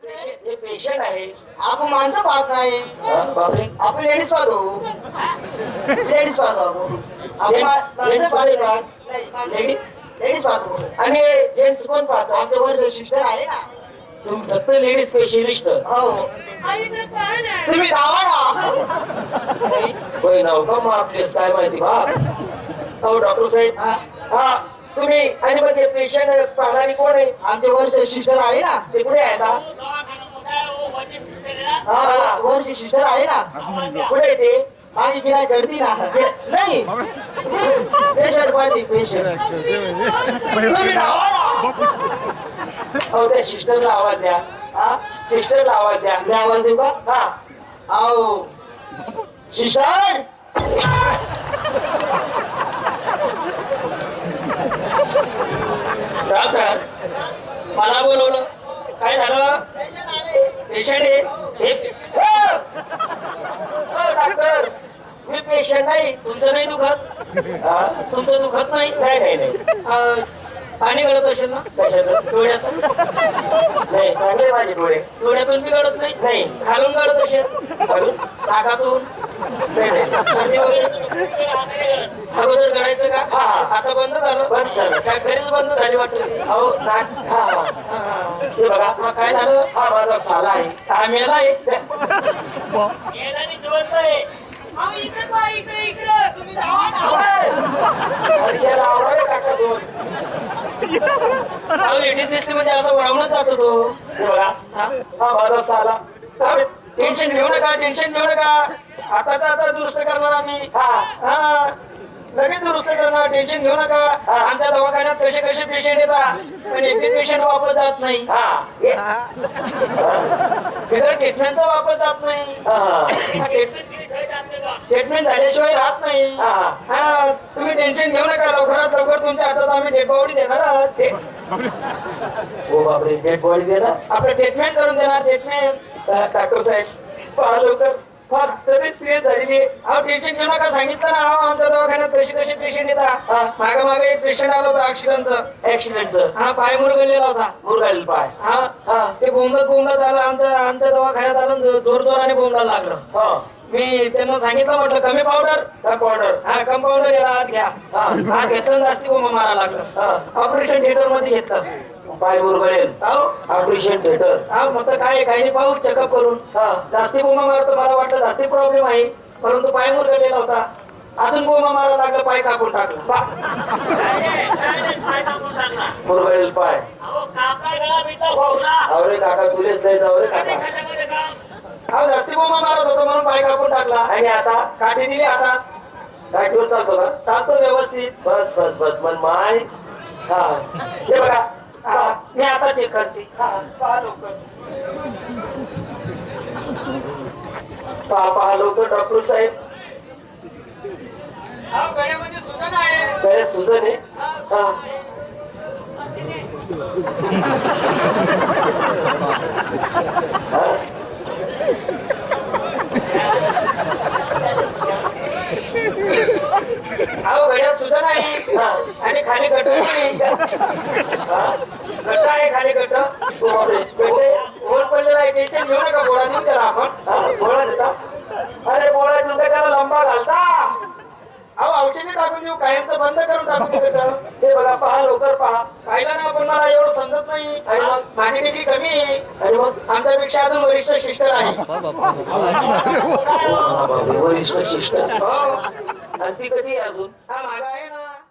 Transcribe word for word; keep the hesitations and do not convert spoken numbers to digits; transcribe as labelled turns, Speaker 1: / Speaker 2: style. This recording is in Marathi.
Speaker 1: हे पेशंट आहे.
Speaker 2: आपण माणसं पाहत नाही,
Speaker 1: हा, बापरे.
Speaker 2: आपण लेडीज पाहतो. लेडीज पाहतो आपण. आपण
Speaker 1: Gents-
Speaker 2: मा- माणसं
Speaker 1: gents
Speaker 2: पाहत
Speaker 1: नाही का?
Speaker 2: नाही. माणसं-
Speaker 1: Ladies?
Speaker 2: लेडीज पाहतो.
Speaker 1: आणि जेंट्स कोण पाहतो?
Speaker 2: आमच्या वर सिस्टर आहे ना.
Speaker 1: तुम्ही फक्त लेडीज स्पेशलिस्ट
Speaker 2: हो. तुम्ही गावा ना.
Speaker 1: होय ना का मग आपलेस काय माहिती बाप. हो डॉक्टर साहेब.
Speaker 2: हा.
Speaker 1: हा तुम्ही आणि मग ते पेशंट पाहणारी कोण आहे?
Speaker 2: आमच्या वर सिस्टर आहे ना.
Speaker 1: ते कुठे आहे आता?
Speaker 2: हा, वरची सिस्टर आहे ना.
Speaker 1: कुठे आहे ते?
Speaker 2: माझी गिराय करती ना. नाही, पेशंट पाहते पेशंट. तुम्ही गावा ना.
Speaker 1: हो त्या सिस्टरला आवाज द्या.
Speaker 2: हा,
Speaker 1: सिस्टरला आवाज द्या.
Speaker 2: मी आवाज देऊ का?
Speaker 1: हा.
Speaker 2: आओ सिस्टर.
Speaker 1: डॉक्टर मला बोलवलं काय झालं? पेशंट आहे हे patient- हो! हो, डॉक्टर मी पेशंट नाही. तुमचं नाही दुखत? हा? तुमचं दुखत नाही? नाही नाही नाही. अं, पाणी गळत असेल ना? कशाचं? डोळ्याचं? नाही चांगले माझे डोळे. डोळ्यातून बी गळत नाही? नाही. खालून गळत असेल? खालून? नाकातून? नाही नाही. सर्दी वगैरे अगोदर गळायचं का? हा हा. आता बंद झालं? बंद झालं. काय घरीच बंद झाली वाटतं? अहो नाक हा हा. हा, हा. हे बघा हा काय झालं? हा माझा साला आहे. हा मेला आहे. अरे याला आवडायला काका सोड. अहो लेडीज दिसली म्हणजे असं वळवणच जातो तो. हे बघा हा हा माझा साला. टेन्शन घेऊ नका, टेन्शन घेऊ नका. आता तर आता दुरुस्त करणार आम्ही. हा हा लगेच दुरुस्त करणार. टेन्शन घेऊ नका. आमच्या दवाखान्यात कसे कसे पेशंट येतात पण एक पेशंट वापस जात नाही. बिगर ट्रीटमेंटचा वापस जात नाही. ट्रीटमेंट झाल्याशिवाय राहत नाही. हा तुम्ही टेन्शन घेऊ नका. लवकरात लवकर तुमच्या हातात आम्ही डेड बॉडी देणार आहोत. हो बापरे डेड बॉडी देणार? आपलं ट्रीटमेंट करून देणार. ट्रीटमेंट डॉक्टर साहेब पहा लवकर. फार तरी सिरियस झालेली आहे. अहो टेन्शन घेऊ नका. सांगितलं ना अहो आमच्या दवाखान्यात कसे कसे पेशंट येतात. मागे मागे एक पेशंट आला होता ऍक्सिडेंटचं. ऍक्सिडेंटचं? हा पाय मुरगळलेला होता. मुरगळलेला पाय? हा हा. ते बोंबलत बोंबलत आलं आमच्या आमच्या दवाखान्यात आलं. जोर जोराने बोंबलायला लागलं. मी त्यांना सांगितलं म्हटलं कमी पावडर का पावडर? हा कम पावडर याला हात घ्या. हात घेतलं जास्ती बोंबा मारा लागलं. ऑपरेशन थिएटर मध्ये घेतलं. पाय मुरगळेल ऑपरेशन थिएटर? हा मग काय काही नाही पाहू चेकअप करून. जास्ती बोंबा मारतो मला वाटलं जास्ती प्रॉब्लेम आहे परंतु पाय मुरगळलेला होता. अजून बोंबा मारा लागलं. पाय कापून टाकलं. मुरगळेल पाय? अरे काका तुलेच नाही जाऊ रे काका. हा जास्ती बोंबा मारत होतो म्हणून पाय कापून टाकला. आणि आता काठी दिली हातात. काठीवर चालतो का? चालतो व्यवस्थित. बस बस बस मन माय. हा हे बघा हा मी आता चेक करते. हा पहा लवकर. पहा पहा लवकर डॉक्टर साहेब.
Speaker 3: गळ्यामध्ये सुजन आहे.
Speaker 1: गळ्यात सुजन आहे? हा
Speaker 3: अहो गळ्यात सुजन आहे आणि खाली गट गट आहे. खाली गट गोल पडलेला आहे. टेन्शन घेऊ नका. गोळा देऊ त्याला आपण.
Speaker 1: गोळा देता? अरे गोळा देऊन काय त्याला लंबा घालता?
Speaker 3: अहो औषधी टाकून देऊ. कायमचं बंद करून टाकून देऊ.
Speaker 1: हे बघा पहा लवकर पहा.
Speaker 3: पाहिलं ना पण मला एवढं समजत नाही.
Speaker 1: आणि मग
Speaker 3: माझी डिग्री कमी आहे
Speaker 1: आणि मग
Speaker 3: आमच्यापेक्षा अजून वरिष्ठ सिस्टर आहे.
Speaker 1: वरिष्ठ शिष्ट?
Speaker 3: हो
Speaker 1: आणि ती कधी आहे अजून?
Speaker 3: हा मागा आहे ना.